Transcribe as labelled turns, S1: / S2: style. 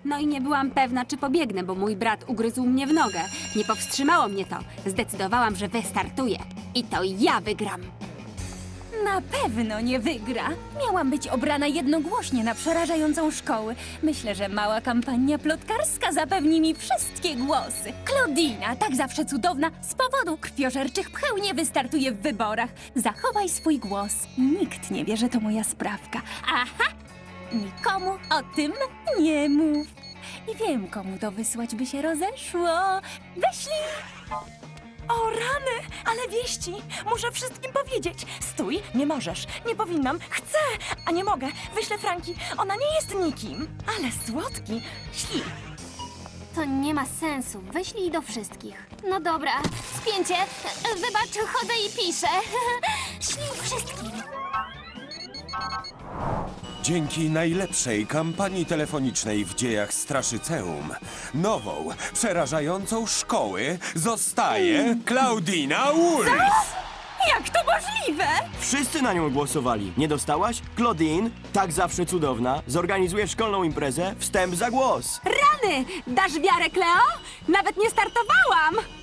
S1: No i nie byłam pewna, czy pobiegnę, bo mój brat ugryzł mnie w nogę. Nie powstrzymało mnie to. Zdecydowałam, że wystartuję. I to ja wygram.
S2: Na pewno nie wygra. Miałam być obrana jednogłośnie na przerażającą szkołę. Myślę, że mała kampania plotkarska zapewni mi wszystkie głosy. Claudina, tak zawsze cudowna, z powodu krwiożerczych pcheł nie wystartuje w wyborach. Zachowaj swój głos. Nikt nie wie, że to moja sprawka. Aha! Nikomu o tym nie mów. I wiem, komu to wysłać by się rozeszło. Wyślij!
S3: O rany, ale wieści! Muszę wszystkim powiedzieć. Stój, nie możesz. Nie powinnam. Chcę, a nie mogę. Wyślę Franki. Ona nie jest nikim. Ale słodki. Śli.
S4: To nie ma sensu. Wyślij do wszystkich. No dobra, spięcie. Wybacz, chodzę i piszę. Ślij wszystkim.
S5: Dzięki najlepszej kampanii telefonicznej w dziejach Straszyceum, nową, przerażającą szkoły zostaje Claudina Wolf!
S2: Jak to możliwe?
S6: Wszyscy na nią głosowali. Nie dostałaś? Claudine, tak zawsze cudowna, zorganizuje szkolną imprezę Wstęp za głos.
S1: Rany! Dasz wiarę, Kleo? Nawet nie startowałam!